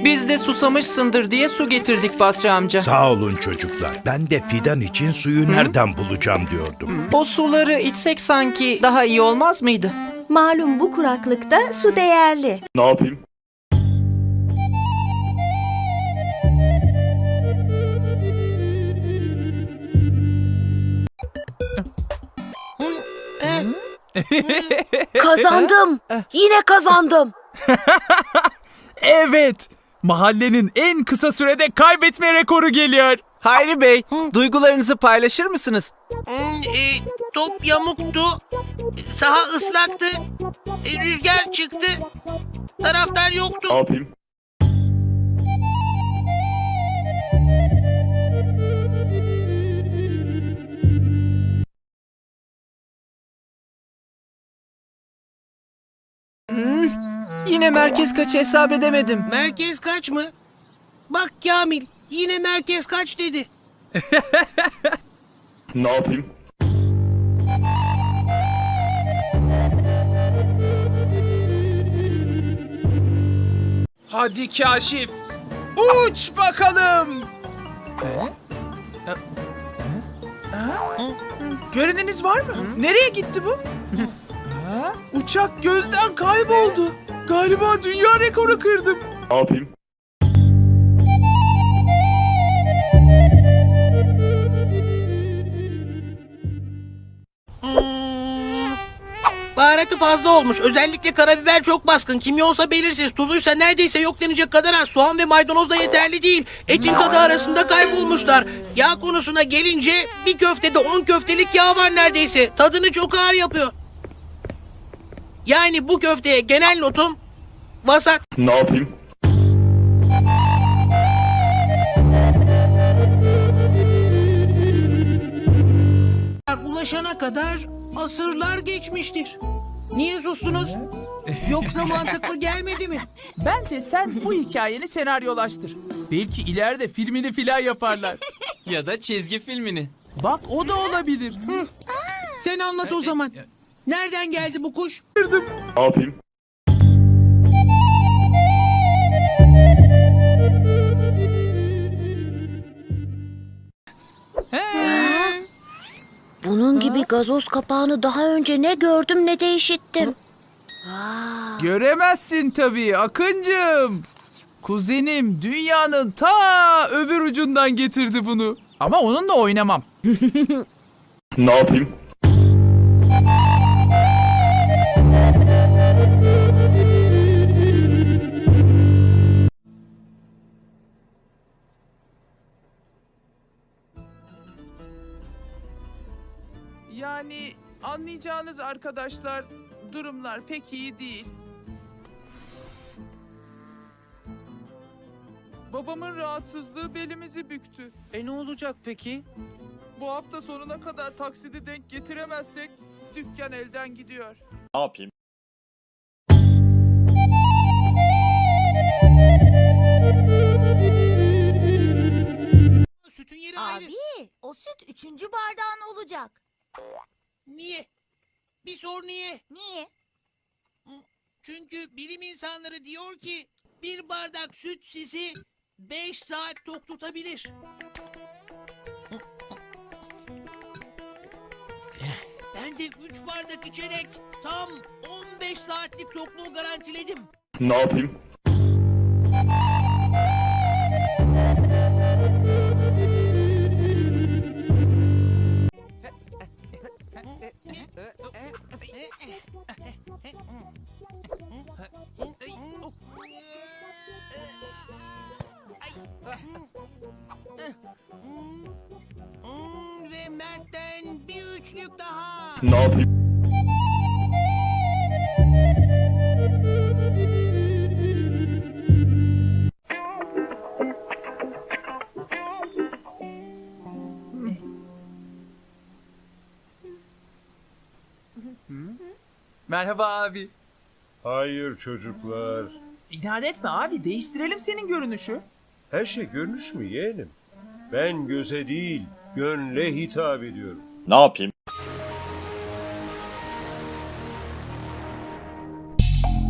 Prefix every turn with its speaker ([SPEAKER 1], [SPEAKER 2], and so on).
[SPEAKER 1] Biz de susamışsındır diye su getirdik Basri amca.
[SPEAKER 2] Sağ olun çocuklar. Ben de fidan için suyu nereden bulacağım diyordum.
[SPEAKER 1] O suları içsek sanki daha iyi olmaz mıydı?
[SPEAKER 3] Malum bu kuraklıkta su değerli.
[SPEAKER 4] Ne yapayım?
[SPEAKER 3] Kazandım. Yine kazandım.
[SPEAKER 5] Evet. Mahallenin en kısa sürede kaybetme rekoru geliyor.
[SPEAKER 1] Hayri Bey, duygularınızı paylaşır mısınız?
[SPEAKER 6] Top yamuktu, saha ıslaktı, rüzgar çıktı, taraftar yoktu.
[SPEAKER 4] Ne yapayım?
[SPEAKER 1] Yine merkez kaçı hesap edemedim.
[SPEAKER 6] Merkez kaç mı? Bak Kamil, yine merkez kaç dedi.
[SPEAKER 4] Ne yapayım?
[SPEAKER 5] Hadi Kaşif. Uç bakalım. Göreniniz var mı? Nereye gitti bu? Uçak gözden kayboldu. Galiba dünya rekoru kırdım.
[SPEAKER 4] Ne yapayım?
[SPEAKER 6] Baharatı fazla olmuş. Özellikle karabiber çok baskın. Kimyonsa belirsiz. Tuzuysa neredeyse yok denecek kadar az. Soğan ve maydanoz da yeterli değil. Etin tadı arasında kaybolmuşlar. Yağ konusuna gelince bir köftede 10 köftelik yağ var neredeyse. Tadını çok ağır yapıyor. Yani bu köfteye genel notum vasat.
[SPEAKER 4] Ne yapayım?
[SPEAKER 6] Ulaşana kadar asırlar geçmiştir. Niye sustunuz? Yoksa mantıklı gelmedi mi?
[SPEAKER 5] Bence sen bu hikayeni senaryolaştır. Belki ileride filmini filan yaparlar.
[SPEAKER 1] Ya da çizgi filmini.
[SPEAKER 5] Bak o da olabilir.
[SPEAKER 6] Sen anlat o zaman. Nereden geldi bu kuş?
[SPEAKER 4] Ne yapayım?
[SPEAKER 3] Bunun gibi gazoz kapağını daha önce ne gördüm ne de işittim.
[SPEAKER 5] Göremezsin tabii Akıncığım. Kuzenim dünyanın ta öbür ucundan getirdi bunu. Ama onunla oynamam.
[SPEAKER 4] Ne yapayım?
[SPEAKER 5] Yani anlayacağınız arkadaşlar durumlar pek iyi değil. Babamın rahatsızlığı belimizi büktü.
[SPEAKER 1] Ne olacak peki?
[SPEAKER 5] Bu hafta sonuna kadar taksidi denk getiremezsek dükkan elden gidiyor.
[SPEAKER 4] Ne yapayım?
[SPEAKER 6] Sütün yeri ayrı.
[SPEAKER 7] Abi, o süt 3. bardağın olacak.
[SPEAKER 6] Niye? Bir sor niye?
[SPEAKER 7] Niye?
[SPEAKER 6] Çünkü bilim insanları diyor ki bir bardak süt sizi 5 saat tok tutabilir. Ben de 3 bardak içerek tam 15 saatlik tokluğu garantiledim.
[SPEAKER 4] Ne yapayım?
[SPEAKER 6] Ve Mert'ten bir üçlük daha.
[SPEAKER 4] Ne yapayım?
[SPEAKER 5] Merhaba abi.
[SPEAKER 8] Hayır çocuklar.
[SPEAKER 5] İnat etme abi, değiştirelim senin görünüşü.
[SPEAKER 8] Her şey görünüş mü yeğenim? Ben göze değil, gönle hitap ediyorum.
[SPEAKER 4] Ne yapayım?